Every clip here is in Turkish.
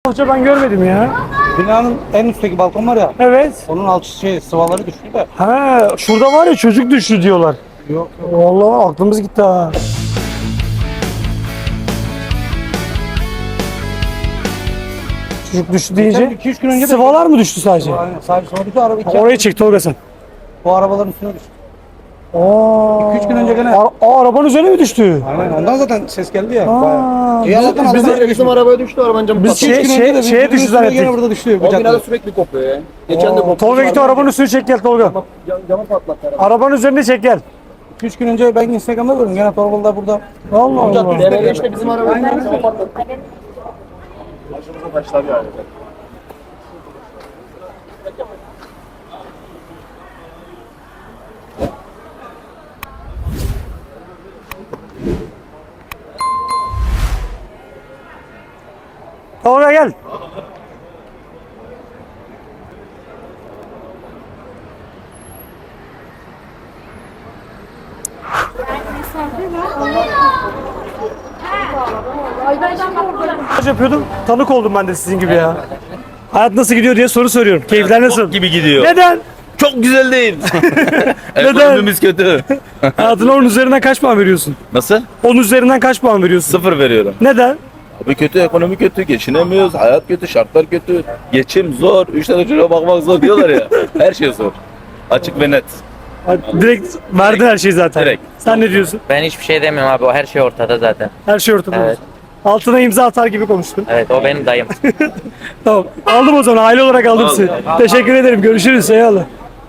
Hoca ben görmedim ya. Binanın en üstteki balkon var ya. Evet. Onun alt sıvaları düştü de. Ha, şurada var ya çocuk düştü diyorlar. Yok. Vallahi aklımız gitti ha. Çocuk düştü deyince 2-3 gün önce de- sıvalar mı düştü sadece? Aynen. Sahibi sıva düştü. Araba iki. Oraya çek Tolga sen. Bu arabaların üstüne düştü. Aa, 2-3 gün önce gene. Arabanın üzerine mi düştü? Aynen. Ondan zaten ses geldi ya. Aa, Bayağı. biz- Allah'tan biz- Allah'tan Bizim arabaya düştü, arabanın camı Biz patladı. şey- 2-3 gün önce de şeye bizim düştü üstüne zannettik. Gene burada düştü. O binada Bıçakla. sürekli kopuyor ya. Geçen de koptu. Tolga git o arabanın üstüne çek gel Tolga. Camı patlattı araba. Arabanın üzerine çek gel. 2-3 gün önce ben Instagram'da gördüm. Gene Torbalı'da burada. Allah Allah. Derede işte bizim arabanın camı patlattı. Başımıza taşlar yani. Tolga gel. Yapıyordum. Tanık oldum ben de sizin gibi ya. Hayat nasıl gidiyor diye soru soruyorum. Keyifler nasıl? Gibi gidiyor. Neden? Çok güzel değil. Neden? Ekonomimiz kötü. Hayatına 10 üzerinden kaç puan veriyorsun? Nasıl? 10 üzerinden kaç puan veriyorsun? 0 veriyorum. Neden? Abi kötü, ekonomi kötü, geçinemiyoruz, hayat kötü, şartlar kötü, geçim zor, 3 tane çocuğa bakmak zor diyorlar ya. Her şey zor. Açık ve net. Direkt verdin her şeyi zaten. Direkt. Sen ne diyorsun? Ben hiçbir şey demiyorum abi. O her şey ortada zaten. Her şey ortada. Evet. Altına imza atar gibi konuştun. Evet, o benim dayım. Tamam. Aldım o zaman. Aile olarak aldım Al. sizi. Teşekkür ederim. Görüşürüz. Eyvallah.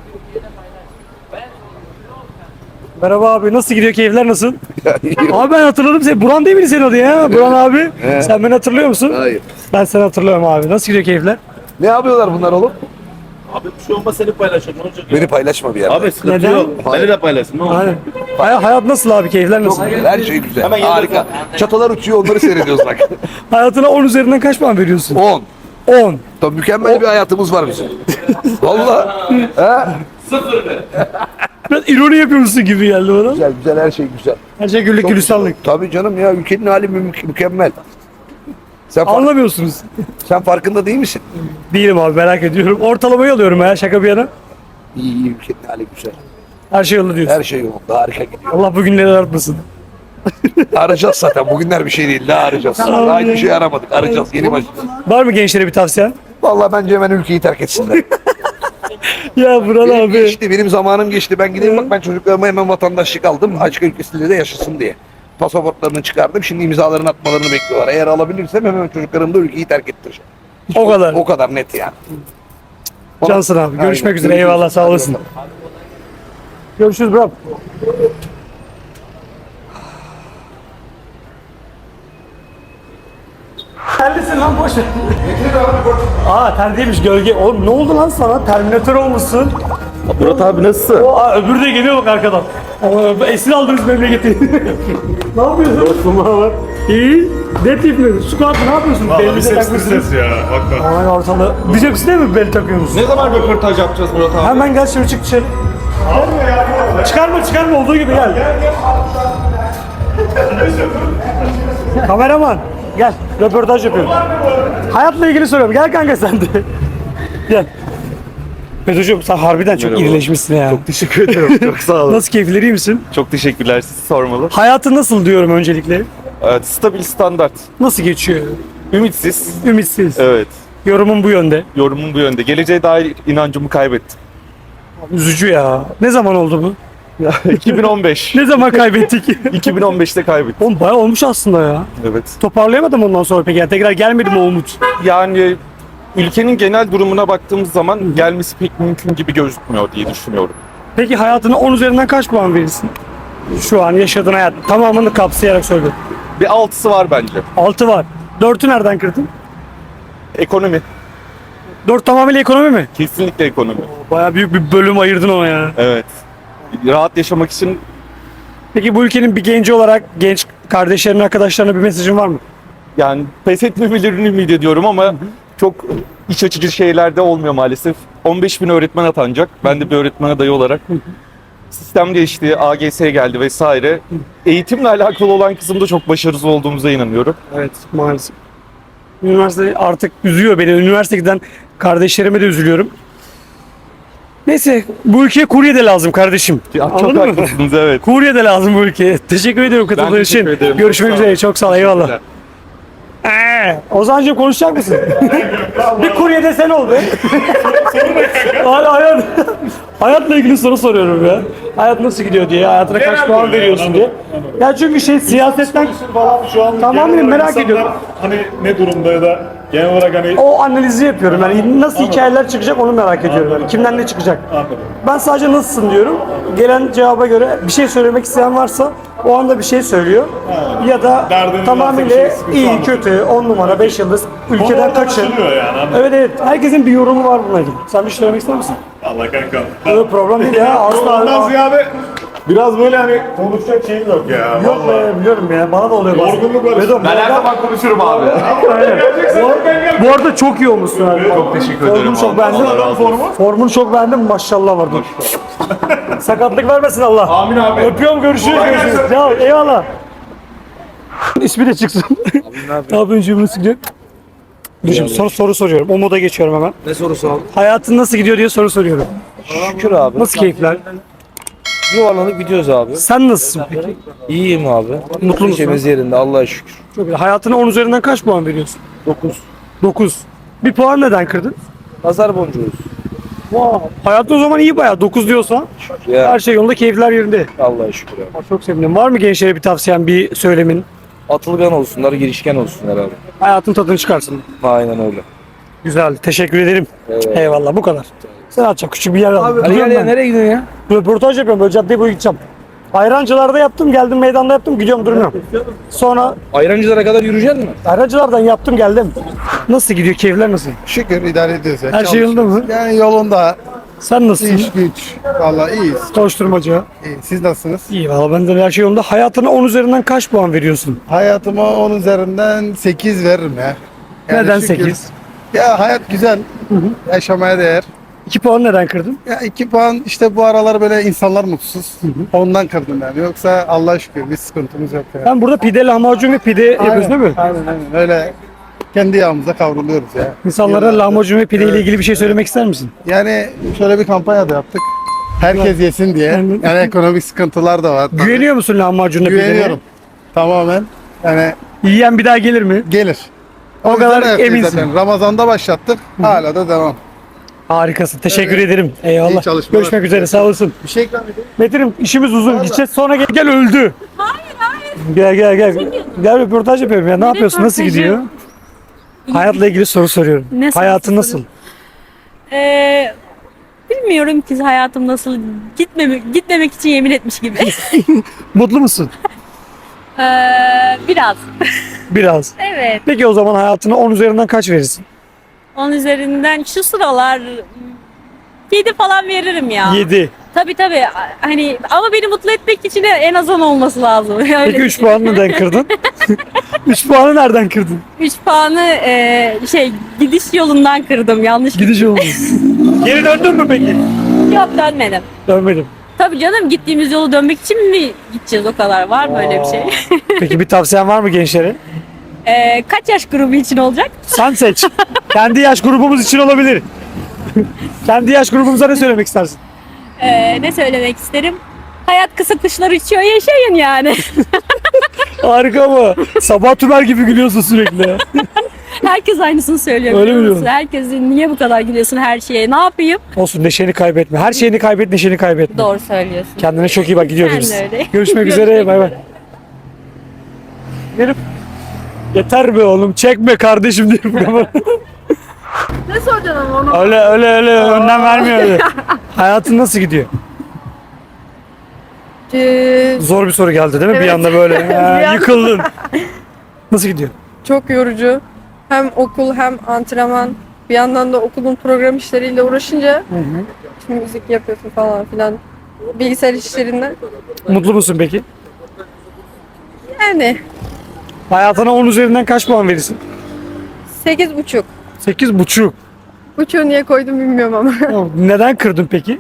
Merhaba abi. Nasıl gidiyor? Keyifler nasıl? Abi ben hatırladım seni. Buran değil miydi senin adı ya? Buran abi. Sen beni hatırlıyor musun? Hayır. Ben seni hatırlıyorum abi. Nasıl gidiyor keyifler? Ne yapıyorlar bunlar oğlum? Abi bir şey olmaz seni paylaşırım. Ne olacak? Beni paylaşma bir yerde. Abi sıkıntı Neden? yok. Beni de paylaşsın. Ne olacak? Aynen. Hayat nasıl abi? Keyifler nasıl? Çok güzel, her şey güzel. Hemen Harika. Çatalar uçuyor, onları seyrediyoruz bak. Hayatına 10 üzerinden kaç puan veriyorsun? 10. 10. Tabii mükemmel bir hayatımız var bizim. Vallahi. Ha? Biraz ironi yapıyormuşsun gibi geldi bana. Güzel, güzel, her şey güzel. Her şey güllük gülistanlık. Tabii canım ya, ülkenin hali mükemmel. Anlamıyorsunuz. Sen farkında değil misin? Değilim abi merak ediyorum. Ortalamayı alıyorum ya şaka bir yana. İyi, iyi, ülkenin hali güzel. Her şey yolunda diyorsun. Her şey yolunda, harika gidiyor. Allah bugünleri artmasın. Arayacağız zaten, bugünler bir şey değil, daha arayacağız. Daha hiçbir şey aramadık, arayacağız, yeni başlayacağız. Var mı gençlere bir tavsiyen? Vallahi bence hemen ülkeyi terk etsinler. Ya Buran Benim abi. geçti, benim zamanım geçti. Ben gideyim bak, ben çocuklarıma hemen vatandaşlık aldım. Açık ülkesinde de yaşasın diye. Pasaportlarını çıkardım. Şimdi imzalarını atmalarını bekliyorlar. Eğer alabilirsem hemen çocuklarım da ülkeyi terk ettireceğim. O kadar. O kadar net yani. Cansın abi. Görüşmek Aynen. üzere. Eyvallah sağ olasın. Görüşürüz bro. Terlisin lan boş ver. Aa ter değilmiş gölge. Oğlum ne oldu lan sana? Terminatör olmuşsun. Murat abi nasılsın? Öbürü de geliyor bak arkadan. Esir aldınız memleketi. Ne yapıyorsun? Dostum var. İyi. Ne tip mi? Squat ne yapıyorsun? Belli de takmışsınız. ya bakma. Aman ortalığı. Biceps değil mi bel takıyorsunuz? Ne zaman röportaj yapacağız Murat abi? Hemen gel şöyle çık dışarı. Çıkarma olduğu gibi gel. Kameraman gel röportaj yapıyorum. Hayatla ilgili soruyorum. Gel kanka sen de. Gel. Metocuğum sen harbiden çok irileşmişsin ya. Teşekkür ederim. Çok sağ olun. Nasıl keyifleri iyi misin? Çok teşekkürler. Sizi sormalı. Hayatı nasıl diyorum öncelikle? Evet, stabil standart. Nasıl geçiyor? Ümitsiz. Ümitsiz. Evet. Yorumum bu yönde. Yorumum bu yönde. Geleceğe dair inancımı kaybettim. Üzücü ya. Ne zaman oldu bu? 2015. Ne zaman kaybettik? 2015'te kaybettim. Oğlum bayağı olmuş aslında ya. Evet. Toparlayamadım ondan sonra peki. Yani tekrar gelmedi mi o umut? Yani ülkenin genel durumuna baktığımız zaman gelmesi pek mümkün gibi gözükmüyor diye düşünüyorum. Peki hayatına 10 üzerinden kaç puan verirsin? Şu an yaşadığın hayat tamamını kapsayarak söylüyorum. Bir 6'sı var bence. 6 var. 4'ü nereden kırdın? Ekonomi. 4 tamamıyla ekonomi mi? Kesinlikle ekonomi. Bayağı büyük bir bölüm ayırdın ona ya. Evet. Rahat yaşamak için Peki bu ülkenin bir genci olarak genç kardeşlerine, arkadaşlarına bir mesajın var mı? yani pes etmemelerini ümit ediyorum ama çok iç açıcı şeyler de olmuyor maalesef. 15 bin öğretmen atanacak. Ben de bir öğretmen adayı olarak. Sistem değişti, AGS geldi vesaire. Eğitimle alakalı olan kısımda çok başarısız olduğumuza inanıyorum. Evet maalesef. Üniversite artık üzüyor beni. Üniversite giden kardeşlerime de üzülüyorum. Neyse bu ülkeye kurye de lazım kardeşim. Çok Anladın mı? haklısınız, evet. Kurye de lazım bu ülkeye. Teşekkür ediyorum katıldığın için. teşekkür ederim. Görüşmek Çok sağ üzere. ol. Çok sağ ol. Eyvallah. Ozan'cığım konuşacak mısın? Bir kurye de sen ol be. Hala hayatla ilgili soru soruyorum ya. Hayat nasıl gidiyor diye, hayatına kaç puan veriyorsun diye. Ya çünkü siyasetten Falan şu an Tamamen genel olarak merak insanlar ediyorum. Hani ne durumda ya da genel olarak hani o analizi yapıyorum. Yani nasıl hikayeler çıkacak onu merak ediyorum. Yani kimden ne çıkacak? anladım. Ben sadece nasılsın diyorum. Gelen cevaba göre bir şey söylemek isteyen varsa o anda bir şey söylüyor. Ya da Derdiniz tamamıyla varsa bir şey, sıkıntı iyi, anlatın. kötü, 10 numara, 5 yıldız, ülkeden Orada kaçın. anlaşılıyor yani. Anladım. Evet evet. Herkesin bir yorumu var bununla ilgili. Sen bir şey söylemek ister misin? Allah kanka. Yok problem değil ya. Ondan Asla. ziyade biraz böyle hani konuşacak şeyim yok ya. Yok Vallahi. be biliyorum ya. Bana da oluyor bazen. Yorgunluk var. Vedo, Ben her zaman konuşurum abi. bu arada çok iyi olmuşsun abi. Çok teşekkür ederim Formunu çok abi. beğendim. Allah razı olsun. Formunu çok beğendim. Maşallah var. Sakatlık vermesin Allah. Amin abi. Öpüyorum görüşürüz. Görüşürüz. Ya, eyvallah. İsmi de çıksın. Ne yapıyorsun cümle sıkıcı? Dur şimdi soru soruyorum. O moda geçiyorum hemen. Ne sorusu abi? Hayatın nasıl gidiyor diye soru soruyorum. Şükür abi. Nasıl keyifler? Yuvarlanıp gidiyoruz abi. Sen nasılsın peki? İyiyim abi. Mutlu musun? Neşemiz yerinde Allah'a şükür. Çok iyi. Hayatına 10 üzerinden kaç puan veriyorsun? 9. 9. Bir puan neden kırdın? Nazar boncuğuyuz. Wow. Hayatta o zaman iyi bayağı. 9 diyorsan Ya her şey yolunda, keyifler yerinde. Allah'a şükür abi. Çok sevindim. Var mı gençlere bir tavsiyen, bir söylemin? Atılgan olsunlar, girişken olsunlar abi. Hayatın tadını çıkarsın. Aynen öyle. Güzel. Teşekkür ederim. Evet. Eyvallah. Bu kadar. Sen atacak küçük bir yer al. Hadi Gidiyorum gel ya ben. nereye gidiyorsun ya? Röportaj yapıyorum. Böyle caddeye boyu gideceğim. Ayrancılarda yaptım. Geldim meydanda yaptım. Gidiyorum durmuyorum. Sonra Ayrancılara kadar yürüyecek misin? ayrancılardan yaptım geldim. Nasıl gidiyor? Keyifler nasıl? Şükür idare ediyoruz ya. Her şey yolunda mı? Yani yolunda. Sen nasılsın? İş güç. Vallahi iyiyiz. Koşturmaca. İyi. Siz nasılsınız? İyi valla ben de her şey yolunda. Hayatına 10 üzerinden kaç puan veriyorsun? Hayatıma 10 üzerinden 8 veririm ya. Yani Neden şükür. 8? Ya hayat güzel. Yaşamaya değer. 2 puan neden kırdın? Ya 2 puan işte bu aralar böyle insanlar mutsuz. Ondan kırdım yani. Yoksa Allah'a şükür bir sıkıntımız yok yani. Ben burada pide, lahmacun ve pide yapıyorsun değil mi? Aynen aynen. Öyle kendi yağımıza kavruluyoruz ya. İnsanlara lahmacun ve pide ile ilgili bir şey söylemek ister misin? Yani şöyle bir kampanya da yaptık. Herkes yesin diye. Aynen. Yani ekonomik sıkıntılar da var. tabii. Güveniyor musun lahmacunla pideye? Güveniyorum. Tamamen. Yani Yiyen bir daha gelir mi? gelir. O yüzden kadar herkes eminsin. zaten Ramazan'da başlattık. Hala da devam. Harikasın. Teşekkür ederim. İyi Eyvallah. çalışmalar. Görüşmek üzere. Sağ olasın. Bir şey ikram edeyim. Metin'im işimiz uzun. Gideceğiz sonra gel öldü. Hayır. Gel. Gel röportaj yapıyorum ya. Ne yapıyorsun? Nasıl röportajı? gidiyor? Hayatla ilgili soru soruyorum. Ne Hayatın sorusu nasıl? Bilmiyorum ki hayatım nasıl gitmemek için yemin etmiş gibi. Mutlu musun? Biraz. Biraz. Evet. Peki o zaman hayatına 10 üzerinden kaç verirsin? 10 üzerinden şu sıralar 7 falan veririm ya. 7. Tabii. Hani ama beni mutlu etmek için de en az 10 olması lazım. Öyle Peki 3 puanı neden kırdın? 3 puanı nereden kırdın? 3 puanı gidiş yolundan kırdım. Yanlış Gidiş oldu. Geri döndün mü peki? Yok dönmedim. Dönmedim. Tabii canım gittiğimiz yolu dönmek için mi gideceğiz o kadar? Var mı öyle bir şey? Peki bir tavsiyen var mı gençlere? Kaç yaş grubu için olacak? Sen seç. Kendi yaş grubumuz için olabilir. Kendi yaş grubumuza ne söylemek istersin? Ne söylemek isterim? Hayat kısa kışlar içiyor yaşayın yani. Harika mı? Sabah Tümer gibi gülüyorsun sürekli. Herkes aynısını söylüyor. Öyle biliyor mi musun? diyorsun? Herkes niye bu kadar gülüyorsun her şeye? Ne yapayım? Olsun neşeni kaybetme. Her şeyini kaybet, neşeni kaybetme. Doğru söylüyorsun. Kendine çok iyi bak gidiyoruz. Sen de öyle. Görüşmek üzere. Bay bay. Gelip yeter be oğlum çekme kardeşim diye. Ne soracaksın ama onu? öyle önden vermiyor öyle. Hayatın nasıl gidiyor? Zor bir soru geldi değil mi? Bir anda böyle yıkıldın. Nasıl gidiyor? Çok yorucu. Hem okul hem antrenman. Bir yandan da okulun program işleriyle uğraşınca şimdi müzik yapıyorsun falan filan. Bilgisayar işlerinden. Mutlu musun peki? Yani Hayatına 10 üzerinden kaç puan verirsin? 8,5. 8,5. Buçuğu niye koydum bilmiyorum ama. Neden kırdın peki?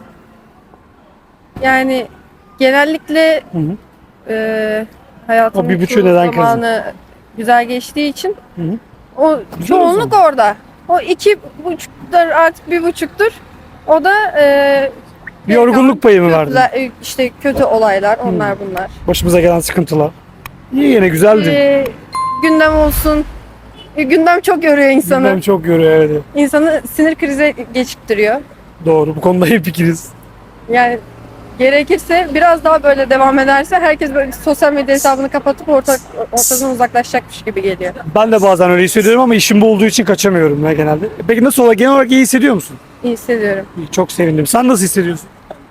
Yani genellikle Hı hı. hayatımın O bir buçuğu çoğu neden kırdın? zamanı güzel geçtiği için Hı hı. O Güzel o çoğunluk orada. O 2,5'dur artık 1,5'tur. O da Bir yorgunluk payı mı vardı? işte kötü olaylar, onlar bunlar. Başımıza gelen sıkıntılar. İyi yine güzeldi. Gündem olsun. Gündem çok yoruyor insanı. Ben çok görüyor evet. İnsanı sinir krize geçiktiriyor. Doğru bu konuda hepikiriz. Yani gerekirse biraz daha böyle devam ederse herkes böyle sosyal medya hesabını kapatıp ortadan uzaklaşacakmış gibi geliyor. Ben de bazen öyle hissediyorum ama işim bu olduğu için kaçamıyorum ya genelde. Peki nasıl olarak genel olarak iyi hissediyor musun? İyi hissediyorum. İyi, çok sevindim. Sen nasıl hissediyorsun?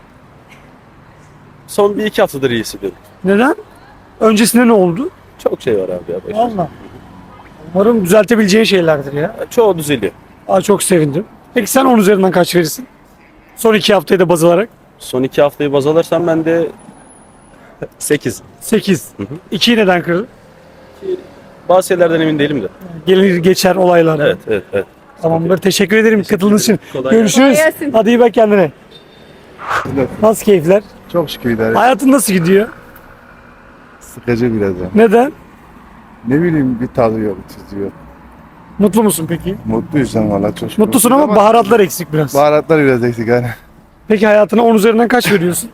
Son 1-2 haftadır iyi hissediyorum. Neden? Öncesinde ne oldu? Çok şey var abi ya. Valla. Umarım düzeltebileceğin şeylerdir ya. Çoğu düzeliyor. Aa, çok sevindim. Peki sen 10 üzerinden kaç verirsin? Son 2 haftayı da baz alarak. Son 2 haftayı baz alırsam ben de 8. 8. 2'yi neden kırdın? Bazı şeylerden emin değilim de. Gelir geçer olaylar. Evet. Tamamdır. Teşekkür ederim katıldığınız için. Kolay Görüşürüz. Kolay gelsin. Hadi iyi bak kendine. Nasıl keyifler? Çok şükür idare. Hayatın nasıl gidiyor? Sıkıcı biraz ya. Neden? Ne bileyim bir tadı yok, tuzu yok. Mutlu musun peki? Mutluyuz sen valla çok şükür. Mutlusun ama baharatlar eksik biraz. Baharatlar biraz eksik hani. Peki hayatına 10 üzerinden kaç veriyorsun?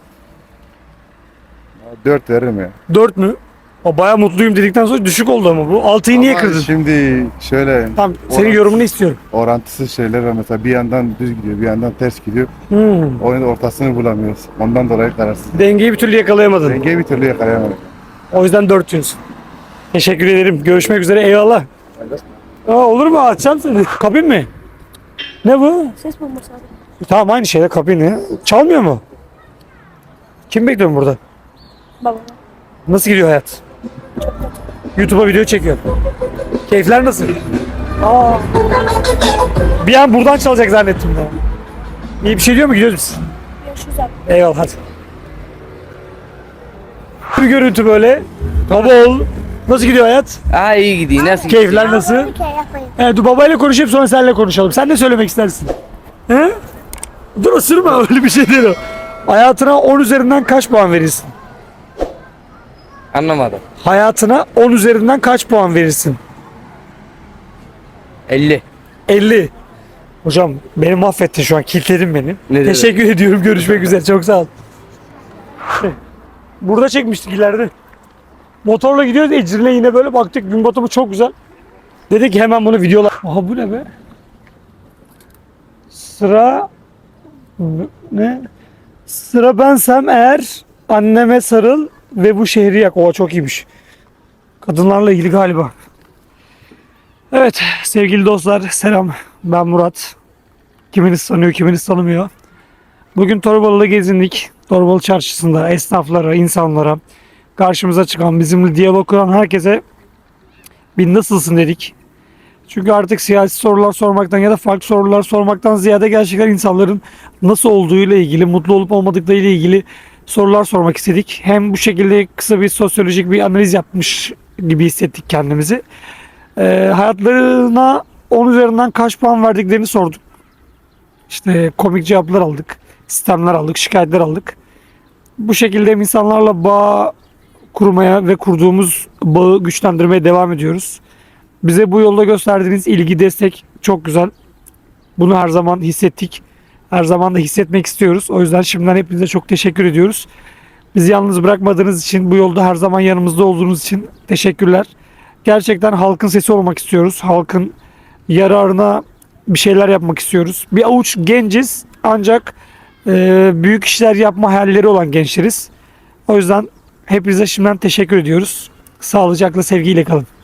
4 veririm ya. 4 mü? O bayağı mutluyum dedikten sonra düşük oldu ama bu. 6'yı niye Ama kırdın? Şimdi şöyle Tamam senin yorumunu istiyorum. orantısız şeyler var mesela bir yandan düz gidiyor bir yandan ters gidiyor. Oyunun ortasını bulamıyoruz. Ondan dolayı kararsız. Dengeyi bir türlü yakalayamadın. Dengeyi bir türlü yakalayamadık. O yüzden 4 diyorsun. Teşekkür ederim. Görüşmek üzere. Eyvallah. Olur mu? Açacağım seni. Kabin mi? Ne bu? Ses bombası abi. Tamam aynı şeyde kabin ya. Çalmıyor mu? Kim bekliyor burada? Babam. Nasıl gidiyor hayat? YouTube'a video çekiyor. Keyifler nasıl? Aa. Bir an buradan çalacak zannettim ya. İyi bir şey diyor mu? Gidiyoruz biz. Görüşürüz abi. Eyvallah hadi. Bir görüntü böyle. Baba oğul. Nasıl gidiyor hayat? Aa iyi gidiyor. Nasıl Keyifler nasıl? Evet dur babayla konuşayım sonra seninle konuşalım. Sen ne söylemek istersin? He? Dur ısırma öyle bir şey değil o. Hayatına 10 üzerinden kaç puan verirsin? Anlamadım. Hayatına 10 üzerinden kaç puan verirsin? 50. 50. Hocam beni mahvettin şu an. Kilitledin beni. Ne demek? Teşekkür ediyorum. Görüşmek üzere. Çok sağ ol. Burada çekmiştik ileride. Motorla gidiyoruz. Ecrin'le yine böyle baktık. Gün batımı çok güzel. Dedik ki hemen bunu videolar. Aha bu ne be? Sıra ne? Sıra bensem eğer anneme sarıl ve bu şehri yak. Oha çok iyiymiş. Kadınlarla ilgili galiba. Evet sevgili dostlar selam. Ben Murat. Kiminiz tanıyor kiminiz tanımıyor. Bugün Torbalı'da gezindik. Torbalı çarşısında esnaflara, insanlara, karşımıza çıkan, bizimle diyalog kuran herkese bir nasılsın dedik. Çünkü artık siyasi sorular sormaktan ya da farklı sorular sormaktan ziyade gerçekten insanların nasıl olduğuyla ilgili, mutlu olup olmadıklarıyla ilgili sorular sormak istedik. Hem bu şekilde kısa bir sosyolojik bir analiz yapmış gibi hissettik kendimizi. Hayatlarına 10 üzerinden kaç puan verdiklerini sorduk. İşte komik cevaplar aldık, sistemler aldık, şikayetler aldık. Bu şekilde insanlarla bağ kurmaya ve kurduğumuz bağı güçlendirmeye devam ediyoruz. Bize bu yolda gösterdiğiniz ilgi, destek çok güzel. Bunu her zaman hissettik. Her zaman da hissetmek istiyoruz. O yüzden şimdiden hepinize çok teşekkür ediyoruz. Bizi yalnız bırakmadığınız için, bu yolda her zaman yanımızda olduğunuz için teşekkürler. Gerçekten halkın sesi olmak istiyoruz. Halkın yararına bir şeyler yapmak istiyoruz. Bir avuç genciz ancak büyük işler yapma hayalleri olan gençleriz. O yüzden hepinize şimdiden teşekkür ediyoruz. Sağlıcakla, sevgiyle kalın.